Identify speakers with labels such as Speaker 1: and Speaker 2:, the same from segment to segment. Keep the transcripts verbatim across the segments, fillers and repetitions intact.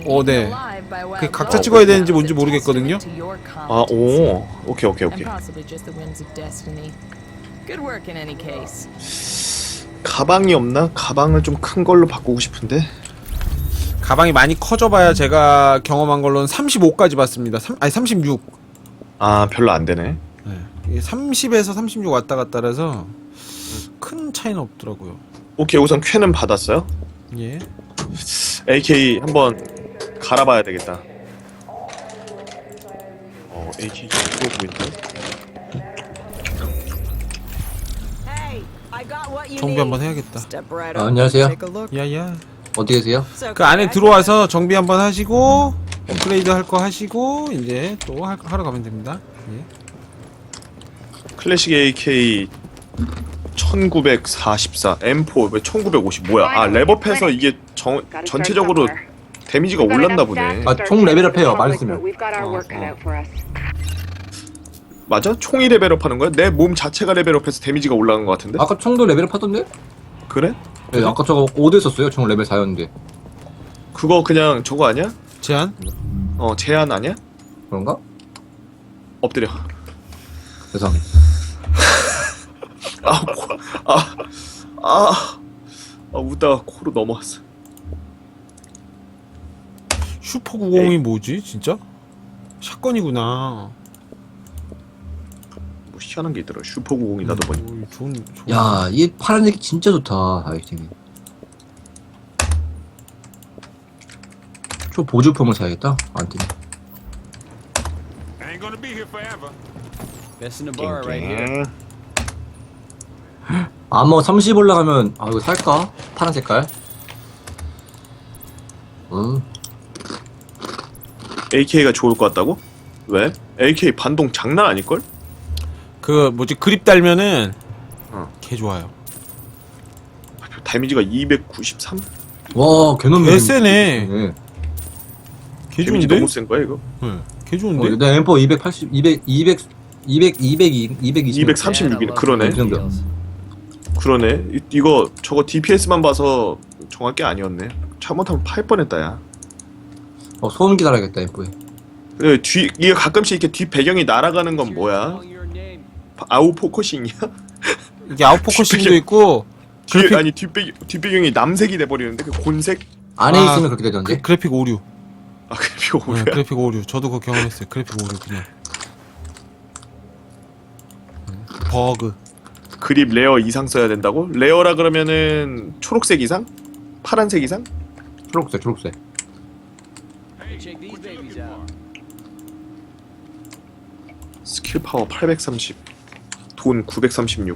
Speaker 1: 어, 네. 그 각자 찍어야 되는지 뭔지 모르겠거든요.
Speaker 2: 아, 오. 오케이, 오케이, 오케이. 가방이 없나? 가방을 좀 큰 걸로 바꾸고 싶은데.
Speaker 1: 가방이 많이 커져봐야 제가 경험한 걸로는 삼십오까지 봤습니다. 삼, 아니 삼십육.
Speaker 2: 아, 별로 안 되네.
Speaker 1: 네. 이게 삼십에서 삼십육 왔다 갔다라서 큰 차이는 없더라고요.
Speaker 2: 오케이, 우선 쾌는 받았어요.
Speaker 1: 예.
Speaker 2: 에이케이 한번 갈아봐야 되겠다. 어, 에이케이 이거 보이는데?
Speaker 1: 정비 한번 해야겠다.
Speaker 3: 아, 안녕하세요.
Speaker 1: 야야.
Speaker 3: 어디 계세요?
Speaker 1: 그 안에 들어와서 정비 한번 하시고 업그레이드 할 거 하시고 이제 또 할, 하러 가면 됩니다. 예.
Speaker 2: 클래식 에이케이 천구백사십사 엠 사 왜 천구백오십 뭐야? 아, 랩업해서 이게 정, 전체적으로 데미지가 올랐나 보네.
Speaker 3: 아, 총 레벨업해요. 말했으면.
Speaker 2: 어, 어. 맞아? 총이 레벨업 하는 거야? 내 몸 자체가 레벨업해서 데미지가 올라간 것 같은데?
Speaker 3: 아까 총도 레벨업 하던데?
Speaker 2: 그래?
Speaker 3: 네, 아까 저거 오 대 썼어요. 총 레벨 사였는데.
Speaker 2: 그거 그냥 저거 아니야?
Speaker 1: 제한?
Speaker 2: 어, 제한 아니야?
Speaker 3: 그런가?
Speaker 2: 엎드려.
Speaker 3: 죄송합니다.
Speaker 2: 아, 코, 아, 아, 아, 웃다가 코로 넘어왔어.
Speaker 1: 슈퍼 구십이 뭐지? 진짜? 샷건이구나.
Speaker 2: 뭐 희한한 게 있더라. 슈퍼 구십이 나도 보니.
Speaker 1: 오, 좋은, 좋은.
Speaker 3: 야, 이 파란색이 진짜 좋다. 아이템이. 저 보조품을 사야겠다. 안 뜨네.
Speaker 4: Ain't gonna be here forever.
Speaker 5: Best in the bar right here.
Speaker 3: 아머 삼십 올라가면 아 이거 살까? 파란 색깔. 응.
Speaker 2: 에이케이가 좋을 것 같다고? 왜? 에이케이 반동 장난 아닐걸?
Speaker 1: 그 뭐지 그립 달면은
Speaker 2: 어.
Speaker 1: 개 좋아요.
Speaker 2: 데미지가 이백구십삼?
Speaker 3: 와, 개놈.
Speaker 1: 개 세네.
Speaker 3: 네.
Speaker 1: 개
Speaker 2: 데미지
Speaker 1: 좋은데?
Speaker 2: 너무 센 거야 이거?
Speaker 1: 네. 개 좋은데?
Speaker 3: 어, 내 엠포 이백팔십, 이백, 이백, 이백, 이백, 이백이십.
Speaker 2: 이백삼십육이네. 그러네.
Speaker 3: 이 정도.
Speaker 2: 그러네. 이, 이거 저거 디피에스만 봐서 정할 게 아니었네. 잘못하면 팔 뻔했다 야.
Speaker 3: 어, 소음기 달아야겠다 엠포에.
Speaker 2: 네, 뒤 이게 가끔씩 이렇게 뒷 배경이 날아가는 건 뭐야? 아웃 포커싱이야?
Speaker 1: 이게 아웃포커싱도
Speaker 2: 뒷배경-
Speaker 1: 있고
Speaker 2: 뒤에
Speaker 1: 그래픽-
Speaker 2: 아니 뒷배 뒷배경이 남색이 돼버리는데 그 곤색?
Speaker 3: 안에
Speaker 1: 아,
Speaker 3: 있으면 그렇게 되던데.
Speaker 1: 그, 그래픽 오류.
Speaker 2: 아 그래픽 오류야?
Speaker 1: 네, 그래픽 오류. 저도 그거 경험했어요. 그래픽 오류 그냥. 음, 버그.
Speaker 2: 그립 레어 이상 써야 된다고? 레어라 그러면은 초록색 이상? 파란색 이상?
Speaker 3: 초록색, 초록색.
Speaker 5: Check these babies out.
Speaker 2: 스킬 파워 팔백삼십, 돈 구백삼십육.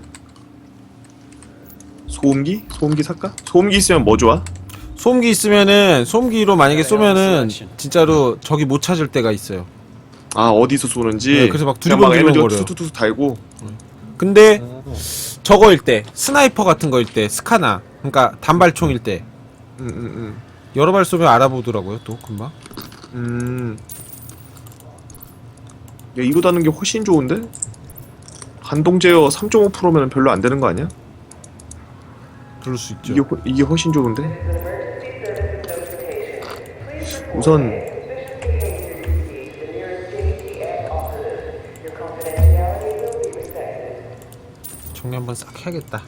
Speaker 2: 소음기? 소음기 살까? 소음기 있으면 뭐 좋아?
Speaker 1: 소음기 있으면은 소음기로 만약에 쏘면은 진짜로 적이 못 찾을 때가 있어요.
Speaker 2: 아 어디서 쏘는지.
Speaker 1: 네, 그래서 막
Speaker 2: 그냥 막 에너지가
Speaker 1: 두리번두리번거려요.
Speaker 2: 투투투 달고.
Speaker 1: 근데 저거일 때 스나이퍼 같은 거일 때 스카나 그러니까 단발총일 때
Speaker 2: 음, 음,
Speaker 1: 여러 발 쏘면 알아보더라고요 또 금방.
Speaker 2: 음. 음. 야 이거 다는 게 훨씬 좋은데? 반동 제어 삼 점 오 퍼센트면 별로 안 되는 거 아니야?
Speaker 1: 그럴 수 있죠.
Speaker 2: 이게 훨- 이게 훨씬 좋은데? 우선
Speaker 1: 정리 한번 싹 해야겠다.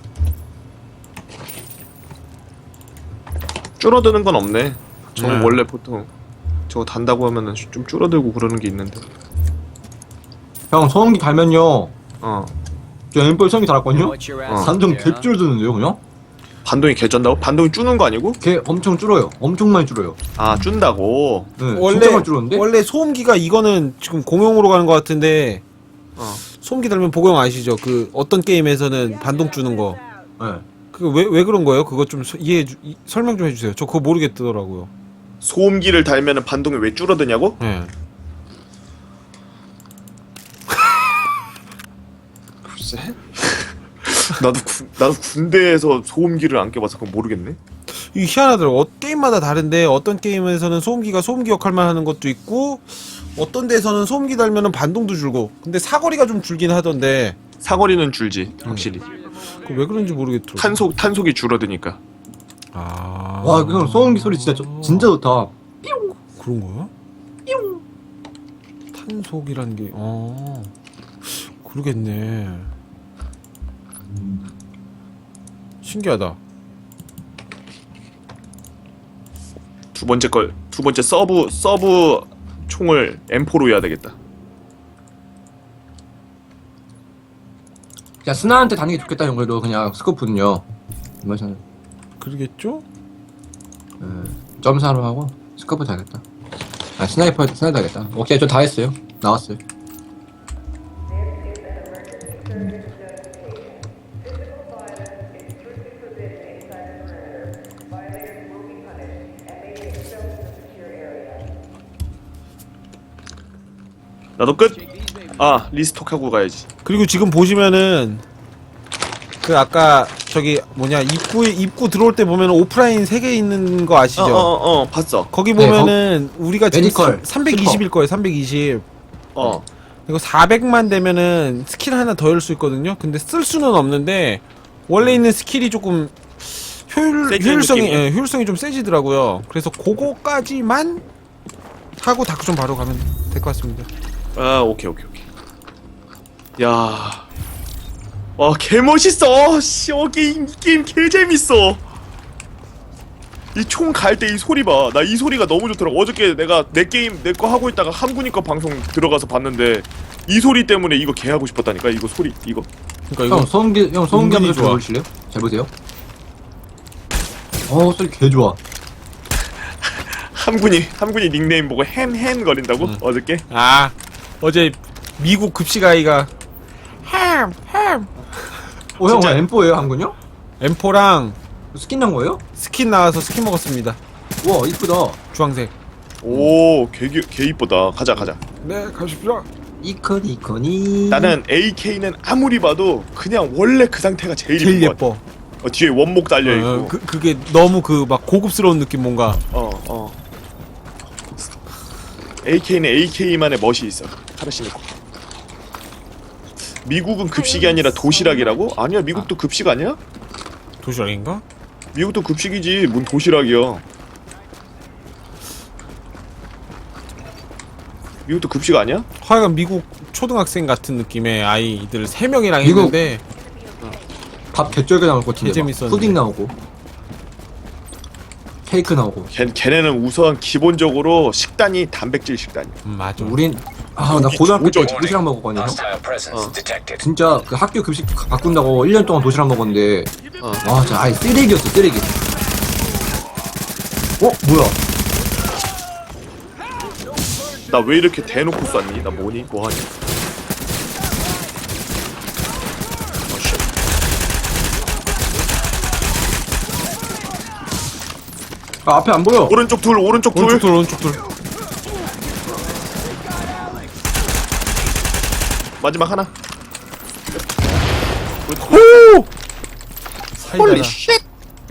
Speaker 2: 줄어드는 건 없네. 저는
Speaker 1: 네.
Speaker 2: 원래 보통 저거 단다고 하면은 좀 줄어들고 그러는 게 있는데.
Speaker 3: 형, 소음기 달면요.
Speaker 2: 어.
Speaker 3: 저 엠포에 소음기 달았거든요.
Speaker 5: What your ass
Speaker 3: 단정
Speaker 5: up there, huh?
Speaker 3: 개줄어드는데요, 그냥?
Speaker 2: 반동이 개쩐다고? 반동이 줄는 거 아니고?
Speaker 3: 걔 엄청 줄어요. 엄청 많이 줄어요.
Speaker 2: 아 준다고.
Speaker 3: 네,
Speaker 1: 원래
Speaker 3: 진짜 많이 줄었는데?
Speaker 1: 원래 소음기가 이거는 지금 공용으로 가는 것 같은데
Speaker 2: 어.
Speaker 1: 소음기 달면 보경 아시죠? 그 어떤 게임에서는 반동 주는 거.
Speaker 3: 네.
Speaker 1: 그거 왜 왜 그런 거예요? 그거 좀 서- 이해해 주, 이, 설명 좀 해주세요. 저 그거 모르겠더라고요.
Speaker 2: 소음기를 달면은 반동이 왜 줄어드냐고?
Speaker 1: 예.
Speaker 2: 글쎄. 나도 구, 나도 군대에서 소음기를 안 껴봐서 그건 모르겠네.
Speaker 1: 이 희한하더라고. 어, 게임마다 다른데 어떤 게임에서는 소음기가 소음기 역할만 하는 것도 있고 어떤 데서는 소음기 달면은 반동도 줄고. 근데 사거리가 좀 줄긴 하던데.
Speaker 2: 사거리는 줄지 확실히.
Speaker 1: 그 왜 그런지 모르겠더라고.
Speaker 2: 탄속 탄속이 줄어드니까.
Speaker 1: 아.
Speaker 3: 와, 그 형 소음기 소리 진짜, 좋- 진짜 좋다.
Speaker 1: 그런 거야? 탄속이라는 게, 어, 그러겠네. 신기하다.
Speaker 2: 두 번째 걸, 두 번째 서브 서브 총을 엠포로 해야 되겠다.
Speaker 3: 그냥 스나한테 다는 게 좋겠다 연결도 그냥 스코프는요. 이마저는
Speaker 1: 그러겠죠?
Speaker 3: 점사로 하고 스코프 다겠다. 아 스나이퍼 스나이퍼 다겠다. 오케이 저 다 했어요. 나왔어요.
Speaker 2: 나도 끝. 아 리스톡하고 가야지.
Speaker 1: 그리고 지금 보시면은 그 아까 저기 뭐냐 입구에 입구 들어올 때 보면 오프라인 세 개 있는 거 아시죠?
Speaker 2: 어어어 어, 봤어.
Speaker 1: 거기
Speaker 3: 네,
Speaker 1: 보면은 우리가 지금
Speaker 3: 메디컬,
Speaker 1: 삼백이십일 거예요. 삼백이십.
Speaker 2: 어.
Speaker 1: 이거 사백만 되면은 스킬 하나 더 열 수 있거든요. 근데 쓸 수는 없는데 원래 있는 스킬이 조금 효율
Speaker 2: 세지는
Speaker 1: 효율성이
Speaker 2: 느낌이?
Speaker 1: 예, 효율성이 좀 세지더라고요. 그래서 그거까지만 하고 다크존 바로 가면 될 것 같습니다.
Speaker 2: 아 오케이 오케이 오케이. 야. 와 개멋있어. 씨, 어 게임 이 게임 개 재밌어. 이 총 갈 때 이 소리 봐. 나 이 소리가 너무 좋더라고. 어저께 내가 내 게임 내 거 하고 있다가 함군이 거 방송 들어가서 봤는데 이 소리 때문에 이거 개 하고 싶었다니까. 이거 소리 이거.
Speaker 1: 그러니까
Speaker 3: 형
Speaker 1: 이거
Speaker 3: 소음기 형 소음기
Speaker 1: 은근히
Speaker 3: 한번
Speaker 1: 좋아.
Speaker 3: 들어보실래요? 잘 보세요. 어 소리 개 좋아.
Speaker 2: 함군이 함군이 닉네임 보고 햄햄 거린다고?
Speaker 1: 음.
Speaker 2: 어저께?
Speaker 1: 아 어제 미국 급식 아이가 햄 햄.
Speaker 3: 어형
Speaker 2: 진짜?
Speaker 3: 엠포예요 한군요?
Speaker 1: 엠포랑
Speaker 3: 스킨 난 거예요?
Speaker 1: 스킨 나와서 스킨 먹었습니다.
Speaker 3: 와 이쁘다.
Speaker 1: 주황색.
Speaker 2: 오, 개, 개, 개 이쁘다. 가자, 가자.
Speaker 1: 네 가십시오.
Speaker 3: 이코니 이코니.
Speaker 2: 나는 에이케이는 아무리 봐도 그냥 원래 그 상태가 제일,
Speaker 1: 제일
Speaker 2: 이쁜 것 같아.
Speaker 1: 예뻐.
Speaker 2: 어, 뒤에 원목 달려 있고.
Speaker 1: 어, 그 그게 너무 그 막 고급스러운 느낌 뭔가.
Speaker 2: 어, 어. 에이케이는 에이케이만의 멋이 있어. 카라시니코. 미국은 급식이 아니라 도시락이라고? 아니야, 미국도 급식 아니야?
Speaker 1: 도시락인가?
Speaker 2: 미국도 급식이지. 뭔 도시락이야. 미국도 급식 아니야?
Speaker 1: 하여간 미국 초등학생 같은 느낌의 아이들 세 명이랑
Speaker 3: 미국-
Speaker 1: 했는데
Speaker 3: 밥 개쩔게 나올 것 같은데.
Speaker 1: 개
Speaker 3: 막
Speaker 1: 재밌었는데.
Speaker 3: 푸딩 나오고 케이크 나오고.
Speaker 2: 걔, 걔네는 우선 기본적으로 식단이 단백질 식단이야.
Speaker 1: 음, 맞아.
Speaker 3: 우린 아 나
Speaker 2: 여기
Speaker 3: 고등학교 때
Speaker 2: 조져.
Speaker 3: 도시락 먹었거든요.
Speaker 4: Hostile presence
Speaker 2: 어.
Speaker 4: detected.
Speaker 3: 진짜 그 학교 급식 바꾼다고 일 년 동안 도시락 먹었는데
Speaker 2: 어.
Speaker 3: 와 진짜 아예 쓰레기였어 쓰레기. 어 뭐야?
Speaker 2: 나 왜 이렇게 대놓고 쐈니? 나 뭐니? 뭐하니? 어, 쉣.
Speaker 3: 아 앞에 안 보여.
Speaker 2: 오른쪽 둘, 오른쪽 둘.
Speaker 1: 오른쪽 둘 오른쪽 둘.
Speaker 2: 마지막 하나.
Speaker 1: 오!
Speaker 2: 홀리
Speaker 1: 사이다라.
Speaker 2: 쉣.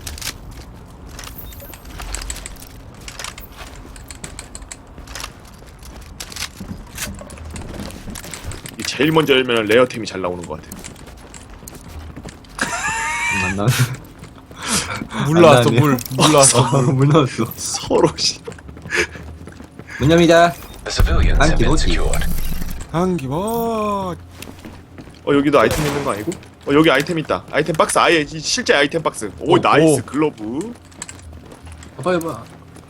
Speaker 2: 이 제일 먼저 열면 레어템이 잘 나오는 것 같아.
Speaker 3: 안 나.
Speaker 1: 물 나왔어
Speaker 3: 나왔네.
Speaker 1: 물. 물 나왔어.
Speaker 3: 물 나왔어.
Speaker 2: 서로 씨.
Speaker 3: 문 엽니다.
Speaker 4: The civilians have been
Speaker 3: Anti-body.
Speaker 4: secured.
Speaker 1: 한기버.
Speaker 2: 어 여기도 아이템 있는 거 아니고? 어 여기 아이템 있다. 아이템 박스 아예 이 실제 아이템 박스. 오
Speaker 1: 오,
Speaker 2: 나이스
Speaker 1: 오.
Speaker 2: 글러브.
Speaker 3: 봐봐 해봐.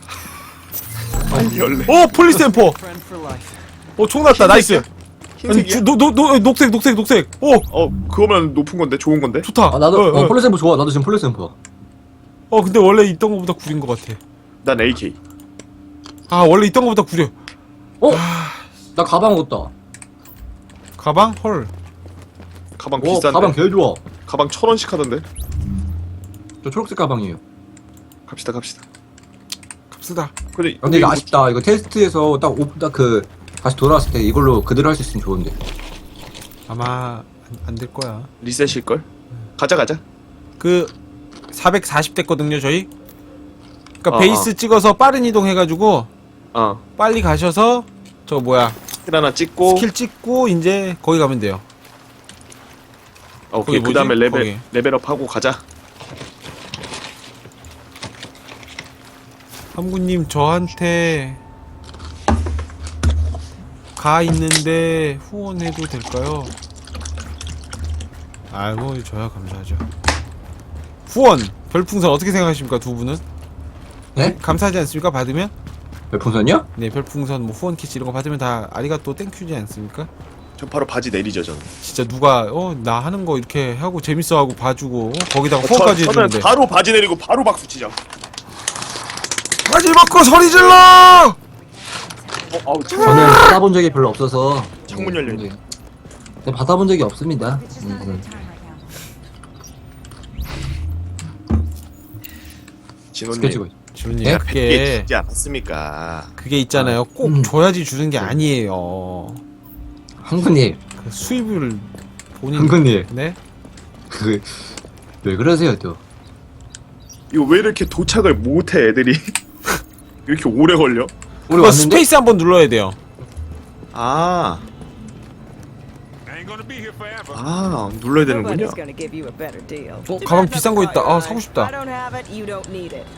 Speaker 2: 열네.
Speaker 1: 오 폴리스 엠포.
Speaker 5: Friend for life.
Speaker 1: 오총 났다. 나이스. 아니
Speaker 2: 흰색이야?
Speaker 1: 노노노 녹색 녹색 녹색. 오
Speaker 2: 어 그거면 높은 건데 좋은 건데.
Speaker 1: 좋다.
Speaker 3: 아 나도
Speaker 1: 어,
Speaker 3: 어,
Speaker 1: 어.
Speaker 3: 폴리샘프 좋아. 나도 지금 폴리샘프.
Speaker 1: 어 근데 원래 있던 거보다 구린 거 같아.
Speaker 2: 난 에이케이.
Speaker 1: 아 원래 있던 거보다 구려.
Speaker 3: 어? 나 가방 얻었다.
Speaker 1: 가방 헐.
Speaker 2: 가방
Speaker 3: 어
Speaker 2: 비싼데.
Speaker 3: 가방 개 좋아.
Speaker 2: 가방 천 원씩 하던데.
Speaker 3: 저 초록색 가방이에요.
Speaker 2: 갑시다 갑시다.
Speaker 1: 갑시다.
Speaker 2: 근데
Speaker 3: 근데 이거
Speaker 2: 이거
Speaker 3: 아쉽다. 이거 테스트에서 딱 그 다시 돌아왔을 때 이걸로 그대로 할 수 있으면 좋은데.
Speaker 1: 아마 안 될 거야.
Speaker 2: 리셋일 걸. 가자 가자.
Speaker 1: 그 사백사십 됐거든요 저희. 그러니까
Speaker 2: 어,
Speaker 1: 베이스 찍어서 빠른 이동 해가지고
Speaker 2: 어.
Speaker 1: 빨리 가셔서 저 뭐야
Speaker 2: 스킬 하나 찍고.
Speaker 1: 스킬 찍고 이제 거기 가면 돼요.
Speaker 2: 어,
Speaker 1: 거기
Speaker 2: 오케이 그 다음에
Speaker 1: 뭐지?
Speaker 2: 레벨
Speaker 1: 거기.
Speaker 2: 레벨업 하고 가자.
Speaker 1: 함구님 저한테 가 있는데 후원해도 될까요? 아이고 저야 감사하죠. 후원 별풍선 어떻게 생각하십니까 두 분은?
Speaker 3: 네?
Speaker 1: 감사하지 않습니까 받으면?
Speaker 3: 별풍선이요?
Speaker 1: 네 별풍선 뭐 후원 키트 이런 거 받으면 다 아리가또 땡큐지 않습니까?
Speaker 2: 저 바로 바지 내리죠 저는.
Speaker 1: 진짜 누가 어 나 하는 거 이렇게 하고 재밌어하고 봐주고 어, 거기다가
Speaker 2: 저,
Speaker 1: 후원까지
Speaker 2: 저는
Speaker 1: 해주는데
Speaker 2: 바로 바지 내리고 바로 박수 치죠.
Speaker 1: 바지 벗고 소리 질러!
Speaker 2: 어, 아우 참.
Speaker 3: 저는 받아본 적이 별로 없어서
Speaker 2: 창문
Speaker 3: 네,
Speaker 2: 열려있네.
Speaker 3: 네, 받아본 적이 없습니다. 음, 음.
Speaker 2: 진호님
Speaker 3: 스케치 고
Speaker 1: 주님
Speaker 3: 네?
Speaker 2: 그게
Speaker 1: 그게
Speaker 2: 주지 않았습니까?
Speaker 1: 그게 있잖아요 꼭
Speaker 3: 음.
Speaker 1: 줘야지 주는 게 아니에요.
Speaker 3: 한군님,
Speaker 1: 그 수입을 본인
Speaker 3: 한군님,
Speaker 1: 네?
Speaker 3: 그 왜 그러세요 또?
Speaker 2: 이거 왜 이렇게 도착을 못해 애들이? 이렇게 오래 걸려?
Speaker 3: 우리
Speaker 1: 그거
Speaker 3: 왔는데?
Speaker 1: 스페이스 한번 눌러야 돼요.
Speaker 2: 아, 아 눌러야 되는군요.
Speaker 6: Nobody's gonna give you a better deal.
Speaker 1: 어 가방 비싼 거 있다. 아 사고 싶다.
Speaker 6: I don't have it, you don't need it.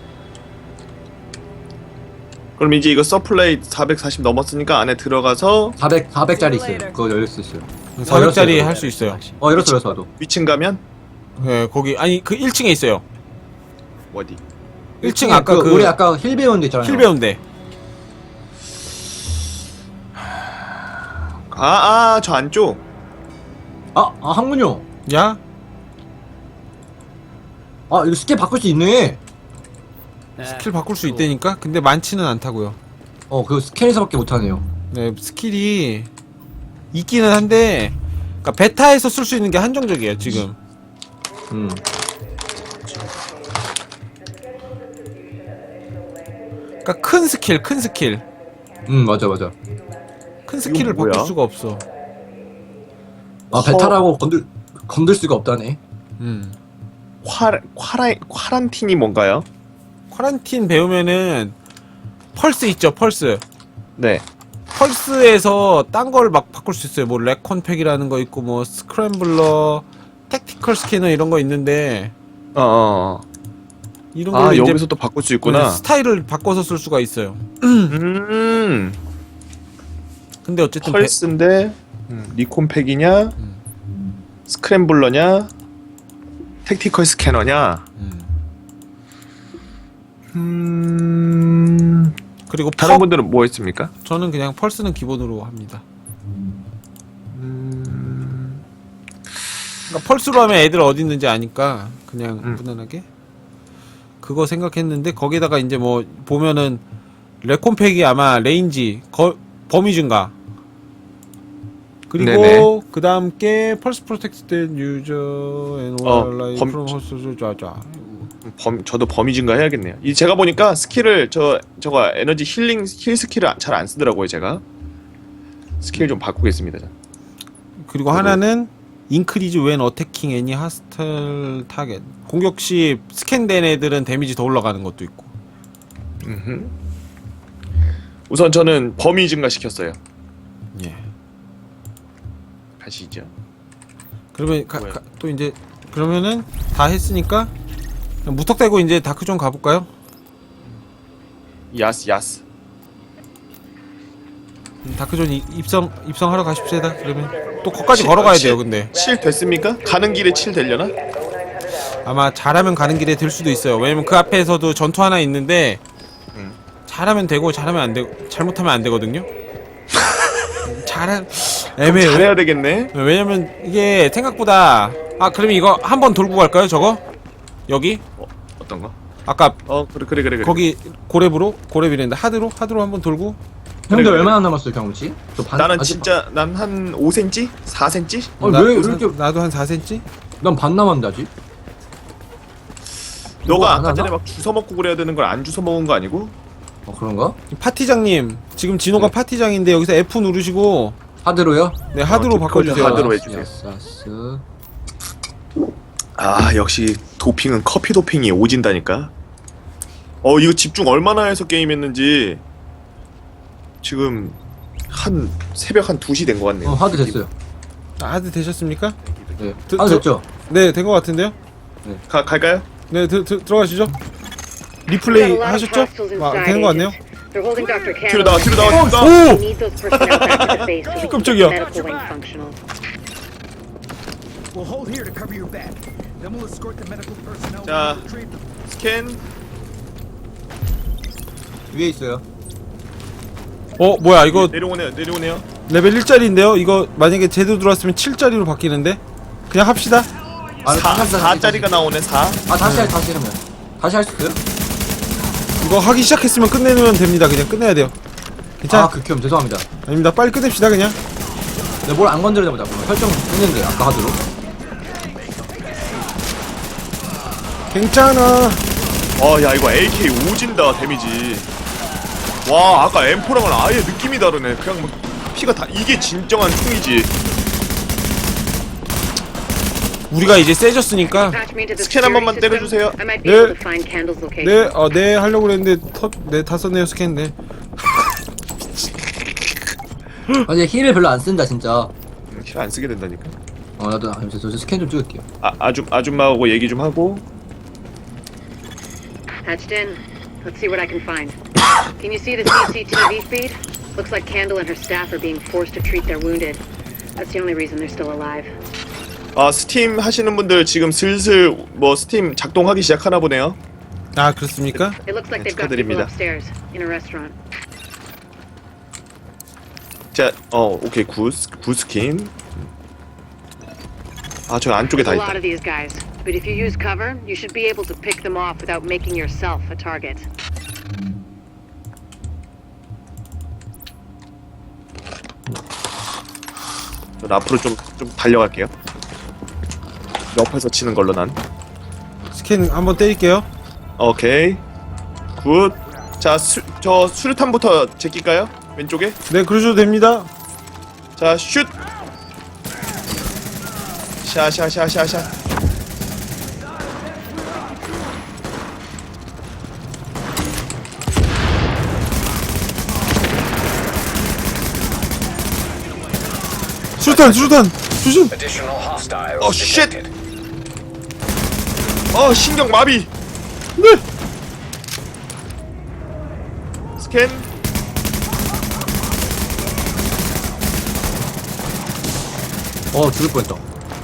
Speaker 2: 그럼 이제 이거 서플라이 사백사십 넘었으니까 안에 들어가서
Speaker 3: 사백, 사백짜리 있어요. 그거 열릴 수 있어요.
Speaker 1: 사백짜리
Speaker 3: 열었어요.
Speaker 1: 할 수 있어요.
Speaker 3: 어, 열었어, 열었어, 나도.
Speaker 2: 위층 가면
Speaker 1: 네 거기 아니 그 일 층에 있어요.
Speaker 2: 어디?
Speaker 1: 일 층 아까 그,
Speaker 3: 우리 아까 힐 배운 데 있잖아요.
Speaker 1: 힐 배운데.
Speaker 2: 아, 아, 저 안쪽.
Speaker 3: 아, 아, 한군요.
Speaker 1: 야?
Speaker 3: 아, 이거 스킬 바꿀 수 있네.
Speaker 1: 스킬 바꿀 수 있다니까? 근데 많지는 않다고요.
Speaker 3: 어, 그 스캔에서밖에 못하네요.
Speaker 1: 네 스킬이 있기는 한데 그러니까 베타에서 쓸 수 있는 게 한정적이에요 지금.
Speaker 3: 음.
Speaker 1: 그러니까 큰 스킬 큰 스킬
Speaker 3: 음, 맞아, 맞아.
Speaker 1: 큰 스킬을
Speaker 2: 뭐야?
Speaker 1: 바꿀 수가 없어.
Speaker 3: 아, 베타라고 건들, 건들 수가 없다네.
Speaker 1: 음.
Speaker 2: 콰, 콰라, 콰란틴이 뭔가요?
Speaker 1: 쿼런틴 배우면은 펄스 있죠 펄스.
Speaker 2: 네.
Speaker 1: 펄스에서 딴 걸 막 바꿀 수 있어요. 뭐 레콘팩이라는 거 있고 뭐 스크램블러, 택티컬 스캐너 이런 거 있는데
Speaker 2: 어, 어.
Speaker 1: 이런 걸로
Speaker 2: 아,
Speaker 1: 이제
Speaker 2: 여기서 또 바꿀 수 있구나.
Speaker 1: 네, 스타일을 바꿔서 쓸 수가 있어요.
Speaker 2: 음.
Speaker 1: 근데 어쨌든 배-
Speaker 2: 펄스인데 음, 리콘팩이냐? 스크램블러냐? 택티컬 스캐너냐?
Speaker 1: 음.
Speaker 2: 음.
Speaker 1: 그리고
Speaker 2: 다른
Speaker 1: 퍽
Speaker 2: 분들은 뭐 있습니까?
Speaker 1: 저는 그냥 펄스는 기본으로 합니다.
Speaker 2: 음.
Speaker 1: 그러니까 펄스로 하면 애들 어디 있는지 아니까 그냥
Speaker 2: 음.
Speaker 1: 무난하게 그거 생각했는데 거기다가 이제 뭐 보면은 레콘팩이 아마 레인지 거, 범위 증가 그리고
Speaker 2: 네네.
Speaker 1: 그 다음 게 펄스 프로텍트된 유저 앤
Speaker 2: 어,
Speaker 1: 온라인
Speaker 2: 범-
Speaker 1: 프롬 호스트 자자
Speaker 2: 범, 저도 범위 증가 해야겠네요. 이 제가 보니까 스킬을 저 저거 에너지 힐링 힐 스킬을 잘 안 쓰더라고요, 제가. 스킬 좀 바꾸겠습니다. 자.
Speaker 1: 그리고 하나는 인크리즈 웬 어태킹 애니 하스텔 타겟 공격 시 스캔된 애들은 데미지 더 올라가는 것도 있고.
Speaker 2: 음흠. 우선 저는 범위 증가 시켰어요.
Speaker 1: 예.
Speaker 2: 가시죠.
Speaker 1: 그러면 가,
Speaker 2: 뭐야?
Speaker 1: 가, 또 이제 그러면은 다 했으니까 그냥 무턱대고 이제 다크존 가볼까요?
Speaker 2: 야스 야스.
Speaker 1: 음, 다크존 이- 입성 입성하러 가십시다. 그러면 또 거기까지
Speaker 2: 칠-
Speaker 1: 걸어가야
Speaker 2: 칠-
Speaker 1: 돼요. 근데
Speaker 2: 칠 됐습니까? 가는 길에 칠 되려나?
Speaker 1: 아마 잘하면 가는 길에 될 수도 있어요. 왜냐면 그 앞에서도 전투 하나 있는데
Speaker 2: 음.
Speaker 1: 잘하면 되고 잘하면 안 되고 잘못하면 안 되거든요. 잘한 애매해요.
Speaker 2: 잘해야 되겠네.
Speaker 1: 왜냐면 이게 생각보다 아 그러면 이거 한번 돌고 갈까요? 저거 여기
Speaker 2: 어, 어떤 거?
Speaker 1: 아까
Speaker 2: 어 그래 그래 그래 그래.
Speaker 1: 거기 고렙으로 고렙이랬는데 하드로 하드로 한번 돌고
Speaker 3: 형들
Speaker 2: 그래, 그래.
Speaker 3: 얼마나 남았어요, 경험치? 저 반,
Speaker 2: 나는
Speaker 3: 아직
Speaker 2: 진짜 난 한 오 센티미터? 사 센티미터?
Speaker 3: 어,
Speaker 1: 나,
Speaker 3: 왜 이렇게-
Speaker 1: 나도 한 사 센티미터?
Speaker 3: 난 반 남았는데, 아직?
Speaker 2: 너가
Speaker 3: 안
Speaker 2: 아까
Speaker 3: 하나?
Speaker 2: 전에 막 주워 먹고 그래야 되는 걸 안 주워 먹은 거 아니고?
Speaker 3: 어, 그런가?
Speaker 1: 파티장님 지금 진호가
Speaker 2: 네.
Speaker 1: 파티장인데 여기서 F 누르시고
Speaker 3: 하드로요?
Speaker 1: 네 하드로
Speaker 2: 어,
Speaker 1: 바꿔주세요.
Speaker 2: 하드로 해주세요.
Speaker 3: 야스, 야스.
Speaker 2: 아 역시 도핑은 커피 도핑이 오진다니까. 어 이거 집중 얼마나 해서 게임했는지 지금 한 새벽 한 두 시 된 것 같네요.
Speaker 3: 어, 하드 됐어요.
Speaker 1: 아, 하드 되셨습니까?
Speaker 3: 네.
Speaker 1: 드-
Speaker 3: 하드
Speaker 1: 드-
Speaker 3: 됐죠?
Speaker 1: 네 된 것 같은데요?
Speaker 2: 가 갈까요?
Speaker 1: 네 드, 드, 들어가시죠. 리플레이 하셨죠? 아, 되는 거 같네요.
Speaker 7: They're holding Doctor
Speaker 2: 뒤로
Speaker 7: Candle.
Speaker 2: 나와 뒤로 나와 뒤로 나와.
Speaker 7: We
Speaker 1: 오!
Speaker 7: need those personnel back at the base so we can keep
Speaker 1: 깜짝이야.
Speaker 7: the medical wing functional.
Speaker 8: We'll hold here to cover your back. Then we'll escort the medical personnel
Speaker 2: 자,
Speaker 8: and retrieve them.
Speaker 2: 스캔.
Speaker 3: 위에 있어요.
Speaker 1: 어 뭐야 이거
Speaker 2: 내려오네요 내려오네요.
Speaker 1: 레벨 일짜리인데요. 이거 만약에 제대로 들어왔으면 칠짜리로 바뀌는데 그냥 합시다.
Speaker 3: 아,
Speaker 2: 사
Speaker 3: 다시, 다시,
Speaker 2: 사짜리가 나오네 사.
Speaker 3: 아 다시 할 다시 하면 다시 할 수 있어요?
Speaker 1: 이거 하기 시작했으면 끝내면 됩니다. 그냥 끝내야 돼요. 괜찮아?
Speaker 3: 아 극혐 죄송합니다.
Speaker 1: 아닙니다. 빨리 끝냅시다 그냥.
Speaker 3: 내가 뭘 안 건드려다 보자. 설정 했는데 아까 하도록.
Speaker 1: 괜찮아.
Speaker 2: 어야 이거 에이케이 오진다 데미지. 와 아까 엠포랑은 아예 느낌이 다르네. 그냥 막 피가 다 이게 진정한 총이지.
Speaker 1: 우리가 이제 세졌으니까.
Speaker 7: Patch me into the
Speaker 2: 스캔 한 번만
Speaker 7: security system.
Speaker 2: 때려주세요.
Speaker 7: I might be
Speaker 1: 네.
Speaker 7: able to find Candle's location.
Speaker 1: 네, 어, 네 하려고 그랬는데 터, 네, 다 썼네요 스캔. 네.
Speaker 3: 아 이제 힐을 별로 안 쓴다 진짜.
Speaker 2: 킬 안 쓰게 된다니까.
Speaker 3: 어 나도 아, 저, 저 스캔 좀 찍을게요.
Speaker 2: 아 아줌 아줌마하고 얘기 좀 하고.
Speaker 7: Patched in. Let's see what I can find. Can you see the C C T V feed? Looks like Candle and her staff are being forced to treat their wounded. That's the only reason they're still alive.
Speaker 2: 아 스팀 하시는 분들 지금 슬슬 뭐 스팀 작동하기 시작하나 보네요.
Speaker 1: 아 그렇습니까?
Speaker 7: It looks like
Speaker 2: 네,
Speaker 7: they've got people
Speaker 2: 축하드립니다.
Speaker 7: upstairs in a restaurant.
Speaker 2: 자, 어 오케이 굿, 굿 스킨. 아 저 안쪽에 다
Speaker 7: There's a lot
Speaker 2: 있다.
Speaker 7: of these guys, but if you use cover, you should be able to pick them off without making yourself a target.
Speaker 2: 저 앞으로 좀 좀 달려갈게요. 옆에서 치는 걸로 난.
Speaker 1: 스캔 한번 때릴게요.
Speaker 2: 오케이. 굿. 자, 수, 저 수류탄부터 제낄까요? 왼쪽에.
Speaker 1: 네 그러셔도 됩니다.
Speaker 2: 자, 슛. 샤샤샤샤샤.
Speaker 1: 수류탄 수류탄 조심.
Speaker 4: Additional hostiles
Speaker 2: Oh, shit.
Speaker 4: detected.
Speaker 2: 어, 신경 마비.
Speaker 1: 네.
Speaker 2: 스캔.
Speaker 3: 어 죽을 뻔했다.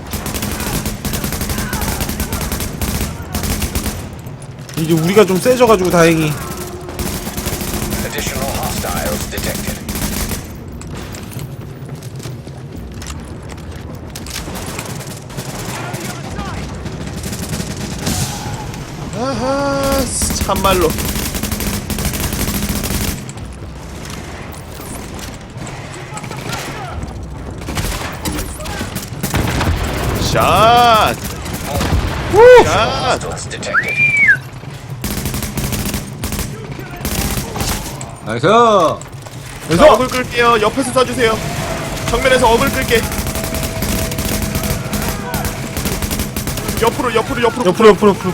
Speaker 1: 이제 우리가 좀 세져가지고 다행히.
Speaker 4: Additional hostiles detected.
Speaker 2: 아하, 참말로. 샷. 샷.
Speaker 4: Hostiles detected.
Speaker 3: 나이스.
Speaker 2: 자,
Speaker 1: 그래서
Speaker 2: 어글 끌게요. 옆에서 쏴주세요. 정면에서 어글 끌게. 옆으로 옆으로 옆으로
Speaker 1: 옆으로 옆으로 옆으로.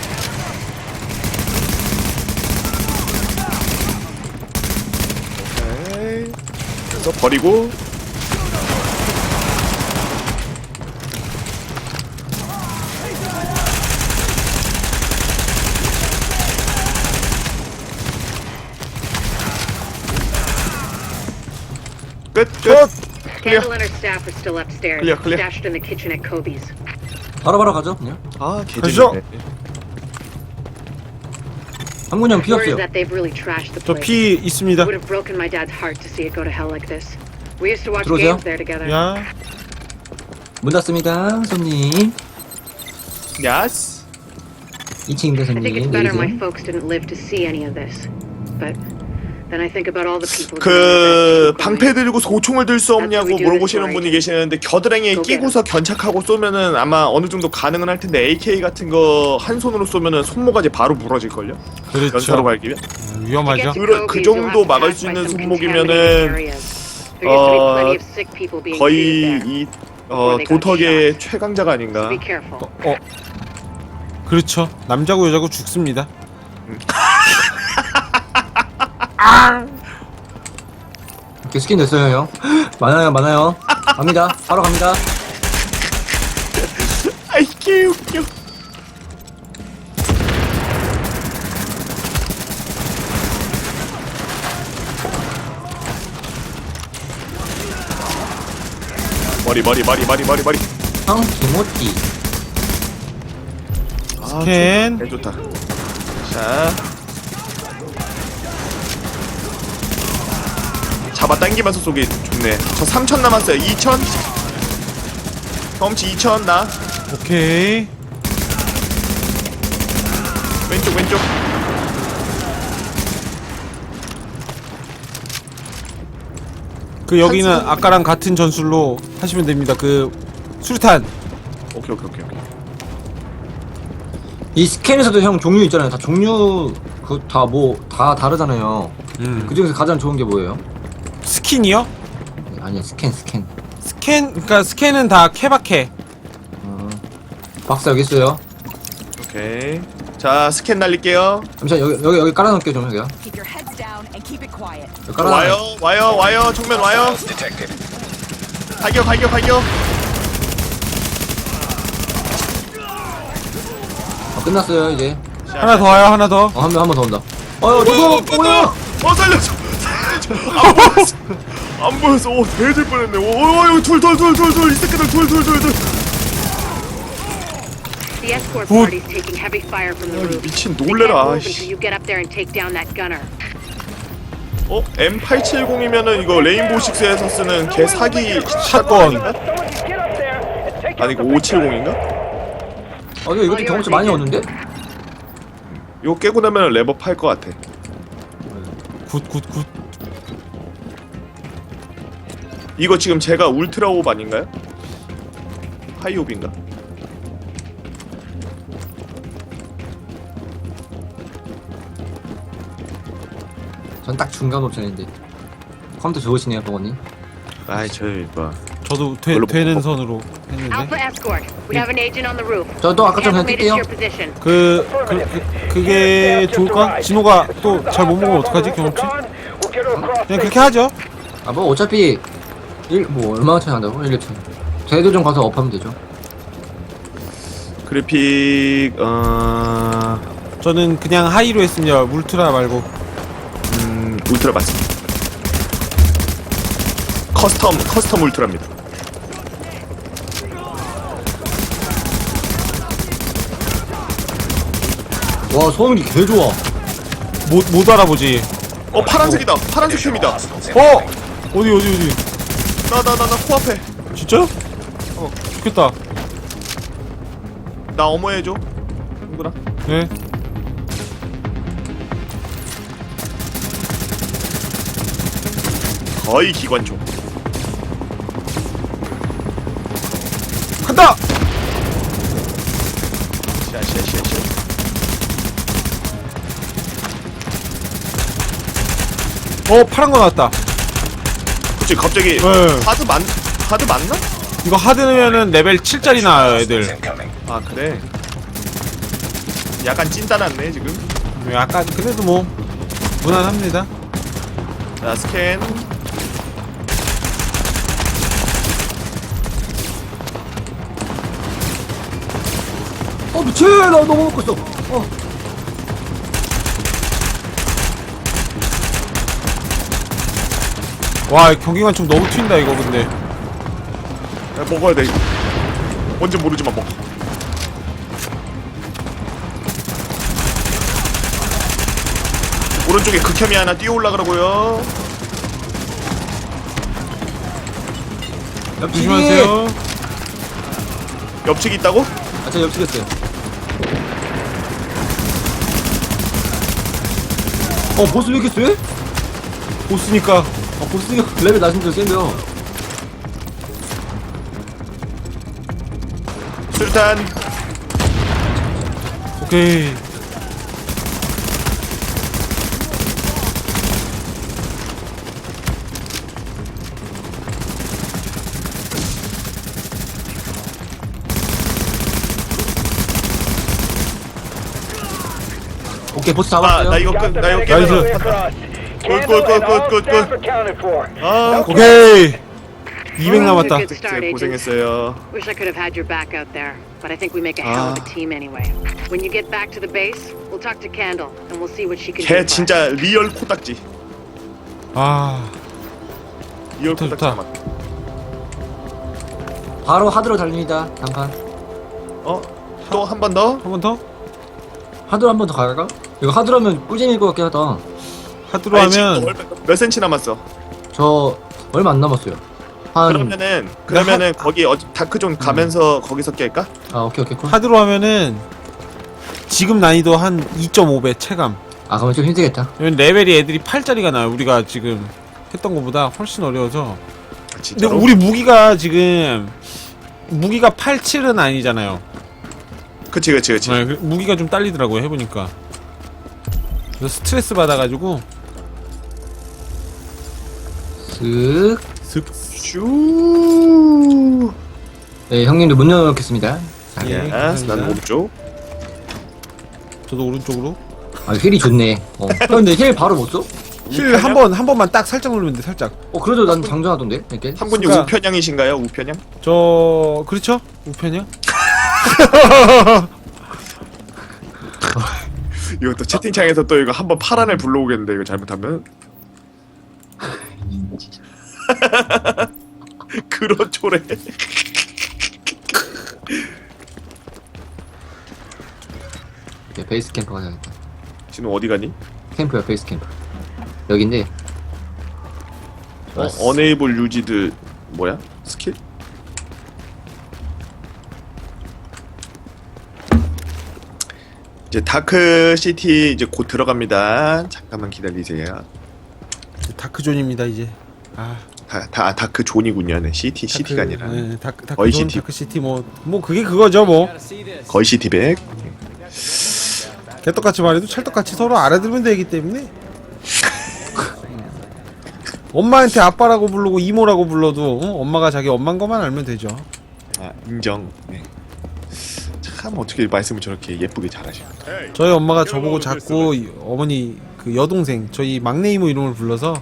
Speaker 2: 오케이. 그래서 버리고. 끝 끝.
Speaker 7: Candle and her staff are still upstairs,
Speaker 2: Clear, clear.
Speaker 7: stashed in the kitchen at Kobe's.
Speaker 3: 바로바로 가죠 그냥.
Speaker 2: 아
Speaker 1: 가시죠.
Speaker 2: 개재밌네.
Speaker 3: 한군 형
Speaker 7: Word
Speaker 3: 피었어요.
Speaker 7: is that they've really trashed the
Speaker 1: 저
Speaker 7: place.
Speaker 1: 피 있습니다.
Speaker 7: Would have broken my dad's heart to see it go to hell like this. We used to watch
Speaker 3: 들어오세요.
Speaker 7: games there together.
Speaker 1: 야
Speaker 3: 문 닫습니다 손님.
Speaker 2: 야스.
Speaker 3: 이 층입니다
Speaker 7: I think it's
Speaker 3: 손님.
Speaker 7: better my
Speaker 3: 내리세요.
Speaker 7: folks didn't live to see any of this. But then I think about all the people.
Speaker 2: 그 방패 들고 소총을 들 수 없냐고 물어보시는 분이 계시는데 겨드랑이에 끼고서 견착하고 쏘면은 아마 어느 정도 가능은 할 텐데 에이케이 같은 거 한 손으로 쏘면은 손모가지 바로 부러질 걸요. 연사로
Speaker 1: 그렇죠.
Speaker 2: 갈기면.
Speaker 1: 위험하죠.
Speaker 2: 그- 그 정도 막을 수 있는 손목이면은, 어, 거의 이 어, 도덕의 최강자가 아닌가.
Speaker 7: Be careful.
Speaker 1: 어 그렇죠. 남자고 여자고 죽습니다.
Speaker 3: 이렇게 스킨 됐어요 형. 많아요 많아요. 갑니다. 바로 갑니다.
Speaker 2: 아이 개웃겨. 머리 머리 머리 머리 머리 머리.
Speaker 3: 형 김호띠.
Speaker 2: 아,
Speaker 1: 스캔.
Speaker 2: 개 좋다. 자. 잡아 당기면서 쏘기 좋네. 저 삼천 남았어요. 이천. 경험치 이천 나.
Speaker 1: 오케이.
Speaker 2: 왼쪽 왼쪽.
Speaker 1: 그 여기는 아까랑 같은 전술로 하시면 됩니다. 그 수류탄.
Speaker 2: 오케이 오케이 오케이 오케이.
Speaker 3: 이 스캔에서도 형 종류 있잖아요. 다 종류 그 다 뭐 다 다르잖아요.
Speaker 1: 음.
Speaker 3: 그 중에서 가장 좋은 게 뭐예요?
Speaker 1: 스킨이요?
Speaker 3: 아니야 스캔 스캔.
Speaker 1: 스캔, 그러니까 스캔은 다 케바케.
Speaker 3: 어. 박사 여기 있어요.
Speaker 2: 오케이. 자 스캔 날릴게요.
Speaker 3: 잠시만 여기 여기 여기 깔아놓을게요 좀 여기요.
Speaker 6: Keep your heads down and keep it quiet.
Speaker 3: 여기 깔아놔.
Speaker 2: 와요 와요 와요 정면 와요.
Speaker 4: Detected.
Speaker 2: 발격 발격 발격.
Speaker 3: 어, 끝났어요 이제.
Speaker 1: 하나 더 와요, 하나 더.
Speaker 3: 어, 한 명 한 번 더 온다. 어여 저거 뭐야?
Speaker 2: 어 살려줘. 살려줘. 안 보였어. 안 보였어. 오 대질 뻔했네. 오 여기 둘둘둘둘둘 이 새끼들 둘둘둘둘.
Speaker 7: The escort
Speaker 1: Good.
Speaker 7: party's taking heavy fire from the
Speaker 2: 아,
Speaker 7: roof.
Speaker 2: 미친
Speaker 7: They
Speaker 2: 놀래라.
Speaker 7: can't move
Speaker 2: 아이씨.
Speaker 7: until you get up there and take down that gunner.
Speaker 2: 어 엠 팔백칠십이면은 이거 레인보우 식스에서 쓰는 개 사기
Speaker 1: 샷건.
Speaker 2: 샷건인가? 아니 이거 오백칠십인가?
Speaker 3: 어 이거 이것도 경험치 많이 얻는데?
Speaker 2: 이거 깨고 나면 랩업 할 것 같아.
Speaker 1: 굿, 굿, 굿.
Speaker 2: 이거 지금 제가 울트라옵 아닌가요? 하이옵인가?
Speaker 3: 전 딱 중간 옵션인데. 컴퓨터 좋으시네요 버거님.
Speaker 2: 아이 저 뭐.
Speaker 1: 저도 되,
Speaker 2: 별로
Speaker 1: 되는
Speaker 2: 못
Speaker 1: 선으로
Speaker 7: Alpha
Speaker 1: 했는데.
Speaker 7: escort, we have an agent on the roof.
Speaker 3: 저도 아까 좀 그냥
Speaker 7: Estimated to
Speaker 3: 뛸게요.
Speaker 7: your position.
Speaker 1: 그, 그, 그, 그게 좋을까? 진호가 또 잘 못 먹으면 어떡하지, 경험치? 그냥 그렇게 하죠.
Speaker 3: 아 뭐 어차피 일 뭐 얼마나 차이 난다고? 일, 이 천. 제도 좀 가서 업하면 되죠.
Speaker 2: 그래픽 어...
Speaker 1: 저는 그냥 하이로 했습니다. 울트라 말고.
Speaker 2: 음... 울트라 맞습니다. 커스텀 커스텀 울트라입니다.
Speaker 3: 와 소음기 개 좋아.
Speaker 1: 못, 못 알아보지.
Speaker 2: 어 파란색이다. 파란색 템이다.
Speaker 4: Hostiles in
Speaker 1: 어! 어디, 어디, 어디.
Speaker 2: 나 나 나 나 코앞에.
Speaker 1: 진짜? 어, 좋겠다.
Speaker 2: 나 어머 해줘. 친구랑.
Speaker 1: 네.
Speaker 2: 거의 기관총.
Speaker 1: 간다!
Speaker 2: 샤샤샤샤.
Speaker 1: 어, 파란 거 나왔다.
Speaker 2: 그치 갑자기
Speaker 1: 네.
Speaker 2: 하드 맞 하드 맞나?
Speaker 1: 이거 하드면은 레벨 칠짜리 나와요, 애들.
Speaker 4: incoming.
Speaker 2: 아 그래. 약간 찐따났네 지금.
Speaker 1: 약간, 그래도 뭐, 무난합니다.
Speaker 2: 자 스캔.
Speaker 3: 어 미친 나 너무 먹고 있어. 어.
Speaker 1: 와, 경기관총 너무 튄다, 이거, 근데.
Speaker 2: 야, 먹어야 돼. 뭔지 모르지만 먹어. 오른쪽에 극혐이 하나 뛰어 올라가라고요.
Speaker 3: 옆치기.
Speaker 1: 조심하세요.
Speaker 2: 옆치기 있다고?
Speaker 3: 아저 옆치겠어요. 어 보스 왜 이렇게 쎄?
Speaker 1: 보스니까.
Speaker 3: 어 보스 레벨 낮은 줄 센데요.
Speaker 2: 수류탄.
Speaker 1: 오케이.
Speaker 3: 오케이 보스
Speaker 2: 아,
Speaker 3: 잡았어요.
Speaker 2: 나 이거 끝, 나 이거
Speaker 1: 나이스.
Speaker 2: 깨달아. 굿굿굿굿굿. 아,
Speaker 1: 오케이. 이백
Speaker 7: Well,
Speaker 1: 남았다.
Speaker 7: good start,
Speaker 2: 진짜
Speaker 7: agent.
Speaker 2: 고생했어요.
Speaker 7: Wish I could have had your back out there, but I think we make a hell of a
Speaker 2: Ah.
Speaker 7: team anyway. When you get back to the base, we'll talk to Candle and we'll see what she can do.
Speaker 2: 걔
Speaker 7: for us.
Speaker 2: 진짜 리얼 코딱지.
Speaker 1: 아,
Speaker 2: 리얼
Speaker 1: 좋다,
Speaker 2: 코딱지
Speaker 1: 좋다.
Speaker 2: 맞다.
Speaker 3: 바로 하드로 달립니다. 단판.
Speaker 2: 어? 또 한 번 더?
Speaker 1: 한 번 더?
Speaker 3: 하드로 한 번 더 갈까? 이거 하드로면 꿀잼일 것 같긴 하다.
Speaker 1: 하드로
Speaker 2: 아니, 지금
Speaker 1: 하면
Speaker 2: 얼마- 몇 센치 남았어?
Speaker 3: 저 얼마 안 남았어요. 한
Speaker 2: 그러면은 그러면은 거기 어, 다크존 가면서 거기서 깰까?
Speaker 3: 아 오케이 오케이 콜.
Speaker 1: 하드로 하면은 지금 난이도 한 이 점 오 배 체감.
Speaker 3: 아 그러면 좀 힘들겠다.
Speaker 1: 왜냐면 레벨이 애들이 팔 짜리가 나요. 우리가 지금 했던 것보다 훨씬 어려워서.
Speaker 2: 아,
Speaker 1: 근데
Speaker 2: 진짜로?
Speaker 1: 우리 무기가 지금 무기가 팔, 칠은 아니잖아요.
Speaker 2: 그치 그치 그치.
Speaker 1: 네, 그- 무기가 좀 딸리더라고요 해보니까. 그래서 스트레스 받아가지고
Speaker 3: 쓱.
Speaker 1: 슥.
Speaker 2: 슈.
Speaker 3: 네 형님도 문 열어놓겠습니다. 자,
Speaker 1: 예.
Speaker 2: 예스.
Speaker 1: 감사합니다.
Speaker 2: 난 오른쪽.
Speaker 1: 저도 오른쪽으로.
Speaker 3: 아 힐이 좋네. 어. 형 근데 힐 바로 못 써?
Speaker 1: 힐 한 번 한 번만 딱 살짝 누르면 돼 살짝.
Speaker 3: 어 그래도 난 장전하던데 이렇게.
Speaker 2: 한 분이
Speaker 1: 그러니까-
Speaker 2: 우편향이신가요? 우편향?
Speaker 1: 저 그렇죠? 우편이요?
Speaker 2: 이거 또 채팅창에서 또 이거 한번 파란을 불러오겠는데 이거 잘못하면. 그렇죠래.
Speaker 3: 네, 베이스 캠프 가야겠다.
Speaker 2: 지금 어디 가니?
Speaker 3: 캠프야 베이스 캠프. 여긴데.
Speaker 2: 어, 어네이블 유지드 뭐야? 스킬? 이제 다크 시티 이제 곧 들어갑니다. 잠깐만 기다리세요.
Speaker 1: 다크존입니다 이제. 아
Speaker 2: 다, 다 다크 존이군요. 네, 시티 시티가 아니라
Speaker 1: 네, 다크
Speaker 2: 거의
Speaker 1: 다크존
Speaker 2: 시티.
Speaker 1: 다크 시티 뭐 뭐 그게 그거죠 뭐.
Speaker 5: Gotta see this.
Speaker 2: 거의 시티백.
Speaker 1: 개떡같이 말해도 찰떡같이 서로 알아들으면 되기 때문에. 엄마한테 아빠라고 부르고 이모라고 불러도 어? 엄마가 자기 엄마인 것만 알면 되죠.
Speaker 2: 아 인정. 네. 참 어떻게 말씀을 저렇게 예쁘게 잘하시나.
Speaker 1: 저희 엄마가 저보고 자꾸 이- 어머니 그 여동생 저희 막내 이모 이름을 불러서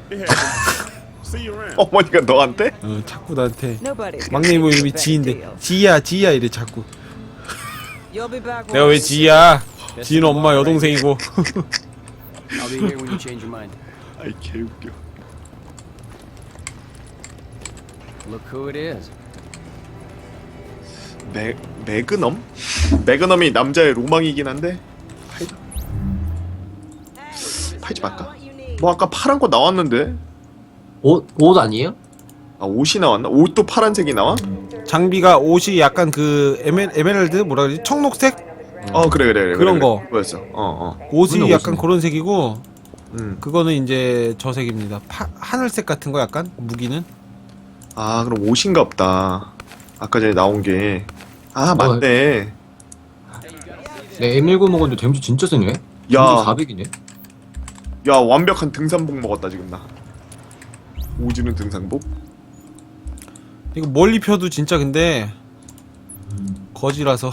Speaker 2: 어머니가 너한테?
Speaker 1: 어, 자꾸 나한테
Speaker 6: Nobody's gonna
Speaker 1: 막내 이모
Speaker 6: think
Speaker 1: 이름이
Speaker 6: it's a big
Speaker 1: 지인데
Speaker 6: deal.
Speaker 1: 지희야 지희야 이래 자꾸.
Speaker 6: You'll be back
Speaker 1: 내가 왜
Speaker 6: when
Speaker 1: 지희야? 지희는 엄마 여동생이고.
Speaker 5: I'll be here when you change your mind.
Speaker 2: 아이 개웃겨.
Speaker 5: Look who it is.
Speaker 2: 매 매그넘? 매그넘이 남자의 로망이긴 한데 팔자. 팔지 말까? 뭐 아까 파란 거 나왔는데?
Speaker 3: 옷, 옷 아니에요?
Speaker 2: 아 옷이 나왔나? 옷도 파란색이 나와?
Speaker 1: 장비가 옷이 약간 그 에메, 에메랄드 뭐라 그러지? 청록색?
Speaker 2: 어 그래 그래 그래
Speaker 1: 그런
Speaker 2: 그래,
Speaker 1: 거.
Speaker 2: 그래. 그거였어. 어어.
Speaker 1: 옷이
Speaker 3: 그건
Speaker 1: 약간
Speaker 3: 옷이네.
Speaker 1: 그런 색이고
Speaker 2: 음.
Speaker 1: 그거는 이제 저 색입니다. 파, 하늘색 같은 거 약간 무기는.
Speaker 2: 아 그럼 옷인가 보다. 아까 전에 나온 게. 아
Speaker 3: 뭐,
Speaker 2: 맞네.
Speaker 3: 네, 엠 일구 먹었는데 데미지 진짜 세네.
Speaker 2: 야.
Speaker 3: 사백이네.
Speaker 2: 야 완벽한 등산복 먹었다 지금 나. 오지는 등산복?
Speaker 1: 이거 멀리 펴도 진짜 근데 거지라서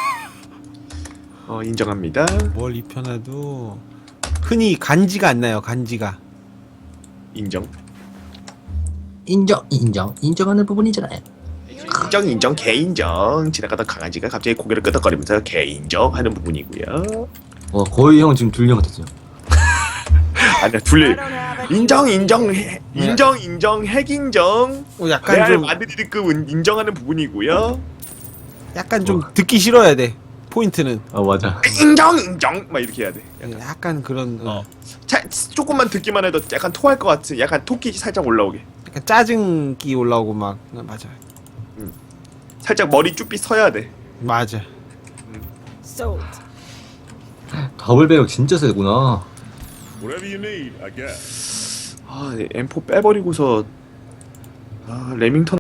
Speaker 2: 어 인정합니다.
Speaker 1: 멀리 펴놔도 흔히 간지가 안 나요. 간지가.
Speaker 2: 인정.
Speaker 3: 인정, 인정, 인정하는 부분이잖아요.
Speaker 2: 인정 인정 개인정. 지나가던 강아지가 갑자기 고개를 끄덕거리면서 개인정 하는 부분이고요.
Speaker 3: 어, 거의 형 지금 둘령 같았어요.
Speaker 2: 아니야 둘리 인정 인정 해, 인정 인정 핵인정
Speaker 1: 어, 약간
Speaker 2: 레알
Speaker 1: 좀
Speaker 2: 마드리드급 인정하는 부분이고요.
Speaker 1: 약간 좀 듣기 싫어야 돼. 포인트는
Speaker 3: 아 맞아.
Speaker 2: 인정 인정 막 이렇게 해야 돼.
Speaker 1: 약간 그런 어.
Speaker 2: 자, 조금만 듣기만 해도 약간 토할 것 같은 약간 토끼 살짝 올라오게.
Speaker 1: 약간 짜증기 올라오고 막 맞아.
Speaker 2: 살짝 머리 쭈삐 서야 돼.
Speaker 1: 맞아.
Speaker 6: Sold.
Speaker 3: 더블 배역 진짜 세구나.
Speaker 9: Whatever you need, I guess.
Speaker 2: 아 엠 포 빼버리고서 아 레밍턴